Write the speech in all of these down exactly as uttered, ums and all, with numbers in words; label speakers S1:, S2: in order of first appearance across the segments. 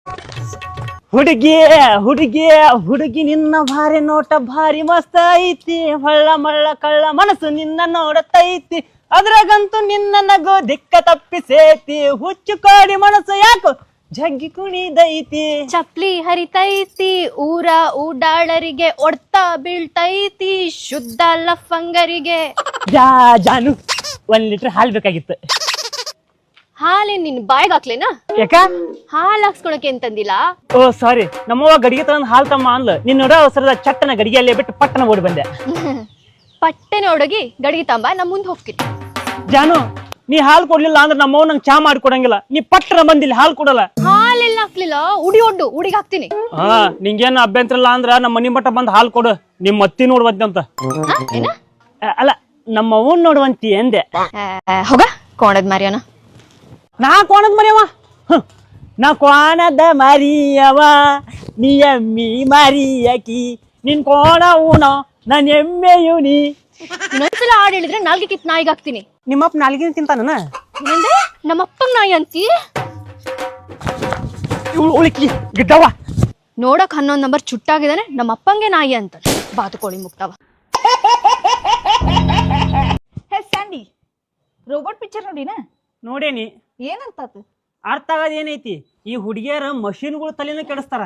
S1: ಹುಡುಗಿ ಹುಡುಗಿ ಹುಡುಗಿ ನಿನ್ನ ಭಾರಿ ನೋಟ ಭಾರಿ ಮಸ್ತ್ ಐತಿ, ಹೊಳ್ಳ ಮಳ್ಳ ಕಳ್ಳ ಮನಸ್ಸು ನಿನ್ನ ನೋಡತೈತಿ, ಅದ್ರಾಗಂತೂ ನಿನ್ನ ನಗು ದಿಕ್ಕ ತಪ್ಪಿಸೇತಿ, ಹುಚ್ಚು ಕಾಡಿ ಮನಸ್ಸು ಯಾಕೋ ಜಗ್ಗಿ ಕುಣಿದೈತಿ.
S2: ಚಪ್ಲಿ ಹರಿತೈತಿ ಊರ ಊಡಾಳರಿಗೆ ಒಡ್ತಾ ಬೀಳ್ತೈತಿ, ಶುದ್ಧ ಲಫಂಗರಿಗೆ.
S1: ಜಾ ಜಾನು ಒಂದ್ ಲೀಟರ್ ಹಾಲ್ ಬೇಕಾಗಿತ್ತು.
S2: ಹಾಲೇನ್ ನಿನ್ ಬಾಯ್ಗ್ ಹಾಕ್ಲೇನಾ?
S1: ಯಾಕ
S2: ಹಾಲ್ ಹಾಕ್ಸ್ಕೊಳಕ್ಕೆ ಅಂತಂದಿಲ್ಲ.
S1: ಓ ಸಾರಿ, ನಮ್ಮವ್ವ ಗಡಿಗೆ ತಗೊಂಡ್ ಹಾಲ್ ತಮ್ಮ ಅನ್ಲ, ನಿನ್ನ ನೋಡ ಅವಸರದ ಚಟ್ಟನ ಗಡಿಗೆಯಲ್ಲೇ ಬಿಟ್ಟು ಪಟ್ಟನ ಓಡಿ ಬಂದೆ.
S2: ಪಟ್ಟೆನ ಹುಡುಗಿ ಗಡಿಗೆ ತಂಬ, ನಾ ಮುಂದ್ ಹೋಗ್ತೀನಿ.
S1: ಜಾನು, ನೀ ಹಾಲ್ ಕೊಡ್ಲಿಲ್ಲ ಅಂದ್ರೆ ನಮ್ಮವ್ ನಂಗೆ ಚಾ ಮಾಡಿ ಕೊಡಂಗಿಲ್ಲ. ನೀ ಪಟ್ಟನ ಬಂದಿಲ್ಲ ಹಾಲ್ ಕೊಡಲ್ಲ.
S2: ಹಾಲೆಲ್ಲ ಹಾಕ್ಲಿಲ್ಲ, ಉಡಿ ಒಡ್ಡು ಉಡಿಗೆ ಹಾಕ್ತೀನಿ.
S1: ಹಾ ನಿಂಗೇನು ಅಭ್ಯಂತರ ಇಲ್ಲ ಅಂದ್ರ ನಮ್ಮ ಮನಿ ಮಟ್ಟ ಬಂದ್ ಹಾಲ್ ಕೊಡು, ನಿಮ್ ಅತ್ತಿ ನೋಡುವಂತೆ ಅಂತ. ಅಲ್ಲ ನಮ್ಮ ಅವ್ವನ್ ನೋಡುವಂತಿ ಎಂದೆ.
S2: ಹೋಗ ಕೋಣದ್ ಮಾರಿಯನ.
S1: ನಾ ಕೋಣದ್ ಮರಿಯವ, ನಾ ಕೋಣದ ಮರಿಯವ, ನೀ ಎಮ್ಮಿ ಮರಿಯಕಿ, ನಿನ್ ಕೋಣ ಊನ ನನ್ ಎಮ್ಮೆಯು ನೀ.
S2: ಇನ್ನೊಂದ್ಸಲ ಹಾಡ್ ಹೇಳಿದ್ರೆ ನಾಲ್ಗೆ ಕಿತ್ ನಾಯಿಗೆ ಹಾಕ್ತೀನಿ.
S1: ನಿಮ್ಮಪ್ಪ ನಾಲ್ಗಿನ ತಿಂತಾನ?
S2: ನಮ್ಮಪ್ಪಂಗ್ ನಾಯಿ ಅಂತಿ?
S1: ಉಳಿಕಿ ಗಿಡ್ಡವ
S2: ನೋಡಕ್ ಹನ್ನೊಂದ್ ನಂಬರ್ ಚುಟ್ಟಾಗಿದ್ದಾನೆ, ನಮ್ಮ ಅಪ್ಪಂಗೆ ನಾಯಿ ಅಂತ. ಬಾತುಕೋಳಿ ಮುಕ್ತವ.
S3: ಹೇ ಸ್ಯಾಂಡಿ, ರೋಬೋಟ್ ಪಿಕ್ಚರ್ ನೋಡಿನ?
S1: ನೋಡೇನಿ.
S3: ಏನಂತ
S1: ಅರ್ಥ ಆಗದ ಏನೈತಿ, ಈ ಹುಡುಗಿಯರ ಮಷೀನ್ಗಳು ತಲೆನ ಕೆಡಿಸ್ತಾರ.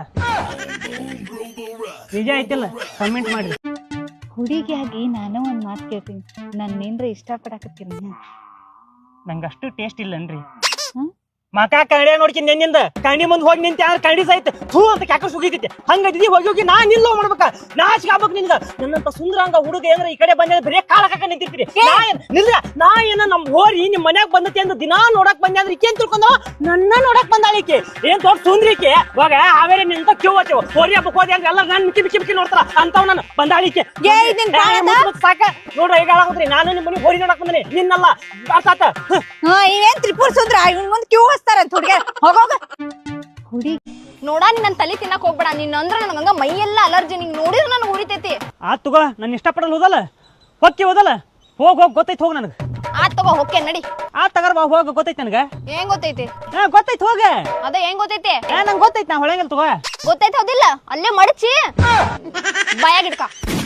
S1: ನಿಜ ಐತಿಲ್ಲ? ಕಮೆಂಟ್ ಮಾಡಿ.
S3: ಹುಡುಗಿಯಾಗಿ ನಾನು ಒಂದ್ ಮಾತು ಕೇಳ್ತೀನಿ, ನನ್ನೇನ್ರ ಇಷ್ಟ ಪಡಾಕತ್ತೀನಿ?
S1: ನಂಗೆ ಅಷ್ಟು ಟೇಸ್ಟ್ ಇಲ್ಲನ್ರಿ. ಮಕ ಕನ್ನಡಿ ನೋಡ್ಕಿ ನೆನ್ನಿಂದ ಕಣ್ಣಿ ಮುಂದ್ ಹೋಗಿ ನಿಂತ ಕನ್ನಡಿ ಸಹಿತ ಹೂ ಅಂತ ಕ್ಯಾಕ ಸುಗಿತೈತಿ. ಹಂಗದಿ ಹೋಗಿ ಹೋಗಿ ನಾ ನಿಲ್ಲೋ ಮಾಡ್ಬೇಕ, ನಾಚಿಕೆ ಆಗ್ಬೇಕು ನಿನ್ಗ. ನನ್ನಂತ ಸುಂದರಂಗ ಹುಡುಗ ಏನ್ರ ಈ ಕಡೆ ಬಂದ ಬರೀ ಕಾಲ ಕಾಕ ನಿಂತಿರ್ತೀರಿ. ನಾ ಏನ್ ನಿಲ್ರ, ನಾ ಏನ ನಮ್ ಹೋರಿ ನಿಮ್ ಮನ್ಯಾಗ ಬಂದತಿ ಅಂದ್ ದಿನಾ ನೋಡಕ್ ಬಂದೆ ಅಂದ್ರೆ ಈಕೇನ್ ತಿಳ್ಕೊಂಡವ? ನನ್ನ ನೋಡಕ್ ಬಂದಾಳಿಕೆ ಏನ್ ದೊಡ್ಡ ಸುಂದ್ರಿಕೆ. ಇವಾಗ ಹಾವೇರಿ ನಿಂತ ಕ್ಯೂ ಹಚ್ಚವ ಹೋರಿ ಹಬ್ಬಕ್ ಹೋದಿ ಅಂದ್ರೆ ಎಲ್ಲ ನನ್ ಮಿಕ್ಕಿ ಮಿಕ್ಕಿ ಮಿಕ್ಕಿ ನೋಡ್ತಾರ ಅಂತವ್. ನಾನು ಬಂದಾಳಿಕೆ ಸಾಕ ನೋಡ್ರ ಈಗ ಹಾಳಾಗೋದ್ರಿ. ನಾನು ನಿಮ್ ಮನೆ ಹೋರಿ ನೋಡಕ್ ಬಂದನಿ, ನಿನ್ನಲ್ಲ. ಅರ್ಥ ಆತ?
S3: ಇವೇನ್ ತ್ರಿಪುರ ಸುಂದ್ರ ಇವನ್ ಮುಂದ್ ಕ್ಯೂ ಹಚ್ತಾರಂತ ಹುಡುಗ. ಹೋಗೋಗ ಹುಡುಗಿ
S2: ನೋಡ, ನೀನ್ ನನ್ ತಲೆ ತಿನ್ನಕ್ ಹೋಗ್ಬೇಡ. ನೀನ್ ಅಂದ್ರ ನನಗ ಮೈ ಎಲ್ಲ ಅಲರ್ಜಿ, ನಿಂಗ್ ನೋಡಿದ್ರೆ ನನ್ ಉರಿತೈತಿ.
S1: ಆತ್ ತಗೋ, ನನ್ ಇಷ್ಟಪಡಲ್ ಹೋದಲ್ಲ ಹೊಕ್ಕಿ ಹೋದಲ್ಲ, ಹೋಗ್ ಹೋಗ್ ಗೊತ್ತೈತಿ ಹೋಗ್ ನನಗ.
S2: ಆತ್ ತಗೋ ಹೊಕ್ಕೆ ನಡಿ.
S1: ಆತ್ ತಗರ್ ಬಾ ಹೋಗ, ಗೊತ್ತೈತಿ ನನಗ.
S2: ಏನ್ ಗೊತ್ತೈತಿ?
S1: ಹಾ ಗೊತ್ತೈತಿ ಹೋಗ.
S2: ಅದ ಏನ್ ಗೊತ್ತೈತಿ?
S1: ಏ ನಂಗೆ ಗೊತ್ತೈತಿ, ನಾ ಹೊಳಂಗಿಲ್ಲ ತಗೋ.
S2: ಗೊತ್ತೈತಿ ಹೌದಿಲ್ಲ? ಅಲ್ಲೇ ಮಡಚಿ ಬಾಯಾಗಿಡ್ಕ.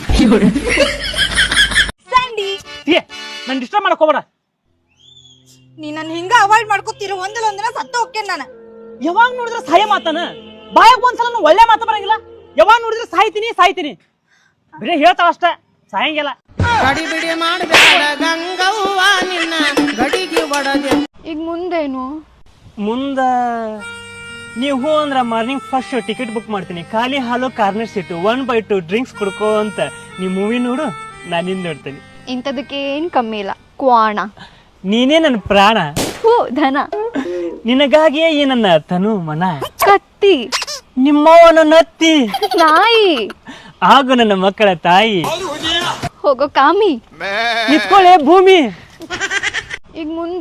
S3: ಸ್ಯಾಂಡಿ,
S1: ಏ ನನ್ ಡಿಸ್ಟರ್ಬ್ ಮಾಡಕ್ ಹೋಗ್ಬೇಡ.
S3: ನೀ ನನ್ ಹಿಂಗ ಅವಾಯ್ಡ್ ಮಾಡ್ಕೊತಿರೋ ಒಂದಲ್ಲ ಒಂದಿನ ಸತ್ತ ಹೋಗ್ತೇನೆ ನಾನು.
S1: ಯಾವಾಗ ನೋಡಿದ್ರೆ ಸಾಯ ಮಾತನ ಬಾಯಾಗ ಒಂದ್ಸಲ ಒಳ್ಳೆ ಮಾತು ಬರಂಗಿಲ್ಲ. ಯಾವಾಗ ನೋಡಿದ್ರೆ ಸಾಯ್ತೀನಿ ಸಾಯ್ತೀನಿ ಬರೀ ಹೇಳ್ತಾವ ಅಷ್ಟ, ಸಾಯಂಗಿಲ್ಲ.
S4: ಗಡಿ ಬಿಡಿ ಮಾಡಬೇಡ ಗಂಗವ್ವ ನಿನ್ನ ಗಡಿಗೆ ಒಡದೆ.
S2: ಈಗ ಮುಂದೇನು?
S1: ಮುಂದ ನೀವು ಹೂ ಅಂದ್ರ ಮಾರ್ನಿಂಗ್ ಫಸ್ಟ್ ಟಿಕೆಟ್ ಬುಕ್ ಮಾಡ್ತೀನಿ. ಖಾಲಿ hall corner seat, one by two drinks ಕುಡ್ಕೋ ಅಂತ. ನೀ ಮೂವಿ ನೋಡು, ನಾನು ನಿಂದ ನೋಡ್ತೀನಿ.
S2: ಇಂಥದಕ್ಕೆ ಏನ್ ಕಮ್ಮಿ ಇಲ್ಲ. ಕ್ವಾಣ
S1: ನೀನೇ ನನ್ನ ಪ್ರಾಣ,
S2: ಹೂ ಧನ,
S1: ನಿನಗಾಗಿಯೇ ಈ ನನ್ನ ತನು ಮನ.
S2: ಕತ್ತಿ
S1: ನಿಮ್ಮವನ ನತ್ತಿ,
S2: ನಾಯಿ
S1: ಹಾಗೂ ನನ್ನ ಮಕ್ಕಳ ತಾಯಿ.
S2: ಹೋಗೋ ಕಾಮಿ,
S1: ನಿತ್ಕೊಳ್ಳೆ ಭೂಮಿ.
S2: ಈಗ ಮುಂದೆ